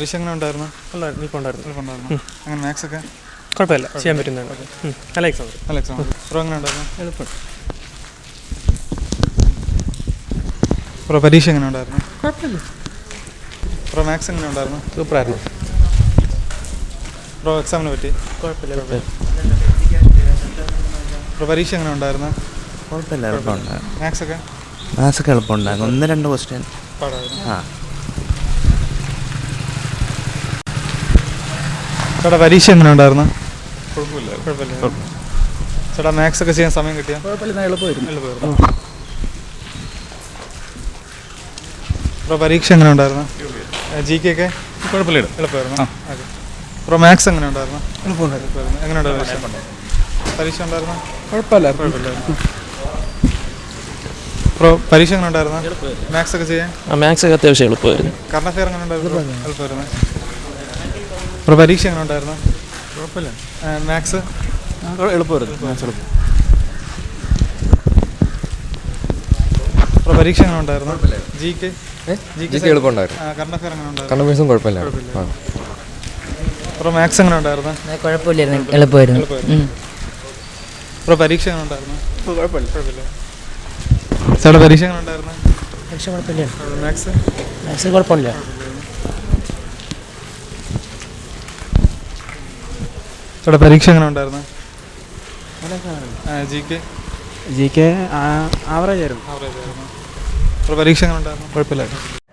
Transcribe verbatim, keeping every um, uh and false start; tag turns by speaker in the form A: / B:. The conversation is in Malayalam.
A: പരീക്ഷ എങ്ങനെ ഉണ്ടായിരുന്നു?
B: ഉണ്ടായിരുന്നു, എളുപ്പമുണ്ടായിരുന്നു.
A: എളുപ്പമുണ്ടായിരുന്നു. അങ്ങനെ മാത്സ് ഒക്കെ
B: കുഴപ്പമില്ല, ചെയ്യാൻ പറ്റുന്നതാണ്. നല്ല എക്സാം.
A: നല്ല എക്സാം. ബ്രോ എങ്ങനെ ഉണ്ടായിരുന്നു?
B: എളുപ്പം.
A: ബ്രോ പരീക്ഷ എങ്ങനെ ഉണ്ടായിരുന്നു?
B: കുഴപ്പമില്ല.
A: ബ്രോ മാത്സ് എങ്ങനെ ഉണ്ടായിരുന്നു?
B: സൂപ്പറായിരുന്നു.
A: ബ്രോ എക്സാമിനെ പറ്റി?
B: കുഴപ്പമില്ല, കുഴപ്പമില്ല.
A: ബ്രോ പരീക്ഷ എങ്ങനെ ഉണ്ടായിരുന്നു?
C: കുഴപ്പമില്ല, എളുപ്പമുണ്ടായിരുന്നു.
A: മാത്സ് ഒക്കെ
C: മാത്സ് ഒക്കെ എളുപ്പമുണ്ടായിരുന്നു. ഒന്ന് രണ്ട് ക്വസ്റ്റ്യൻ
A: പാടായിരുന്നു.
C: ആ
A: ചേട്ടാ പരീക്ഷ എങ്ങനെ ഉണ്ടായിരുന്നു? കുഴപ്പമില്ല. കുഴപ്പമില്ല. ചേട്ടാ മാത്സ് ഒക്കെ ചെയ്യാൻ സമയം കിട്ടിയാൽ?
B: കുഴപ്പമില്ല, എളുപ്പമായിരുന്നു.
A: എളുപ്പമായിരുന്നു. ബ്രോ പരീക്ഷ എങ്ങനെ ഉണ്ടായിരുന്നു? ജി കെ ഒക്കെ
B: കുഴപ്പമില്ല,
A: എളുപ്പമായിരുന്നു. ഓക്കെ. ബ്രോ മാത്സ് എങ്ങനെ ഉണ്ടായിരുന്നു?
B: എളുപ്പമുണ്ടായിരുന്നു.
A: എങ്ങനെ ഉണ്ടായിരുന്നു പരീക്ഷ? ഉണ്ടായിരുന്നു?
B: കുഴപ്പമില്ല,
A: കുഴപ്പമില്ല. ബ്രോ പരീക്ഷ എങ്ങനെ ഉണ്ടായിരുന്നു? മാത്സ് ഒക്കെ ചെയ്യാൻ?
B: മാത്സ് ഒക്കെ അത്യാവശ്യം എളുപ്പമായിരുന്നു.
A: കറണ്ട് അഫെയർ എങ്ങനെ ഉണ്ടായിരുന്നു? എളുപ്പമായിരുന്നു. ബ്രോ പരീക്ഷ എങ്ങനെ ഉണ്ടായിരുന്നു?
B: കുഴപ്പമില്ല.
A: മാത്സ്
B: എളുപ്പമായിരുന്നു. മാത്സ് എളുപ്പം.
A: ബ്രോ പരീക്ഷ എങ്ങനെ ഉണ്ടായിരുന്നു? ജി കെ
D: ജി കെ എളുപ്പമുണ്ടായിരുന്നു.
A: കറണ്ട് അഫെയർ എങ്ങനെ ഉണ്ടായിരുന്നു?
D: കറണ്ട് അഫെയർസും കുഴപ്പമില്ല.
A: ബ്രോ മാത്സ് എങ്ങനെ ഉണ്ടായിരുന്നു?
E: കുഴപ്പമില്ലായിരുന്നു, എളുപ്പമായിരുന്നു.
A: ബ്രോ പരീക്ഷ എങ്ങനെ ഉണ്ടായിരുന്നു? കുഴപ്പമില്ല. കുഴപ്പമില്ല. ചേട്ടാ പരീക്ഷ എങ്ങനെ ഉണ്ടായിരുന്നു?
E: പക്ഷെ കുഴപ്പമില്ല.
A: മാത്സ്
E: മാത്സ് കുഴപ്പമില്ല.
A: ചേട്ടാ പരീക്ഷ എങ്ങനെ ഉണ്ടായിരുന്നു? G K
B: G K average ആയിരുന്നു.
A: ആവറേജ് ആയിരുന്നു. ബ്രോ പരീക്ഷ എങ്ങനെ ഉണ്ടായിരുന്നു?
B: കുഴപ്പമില്ല.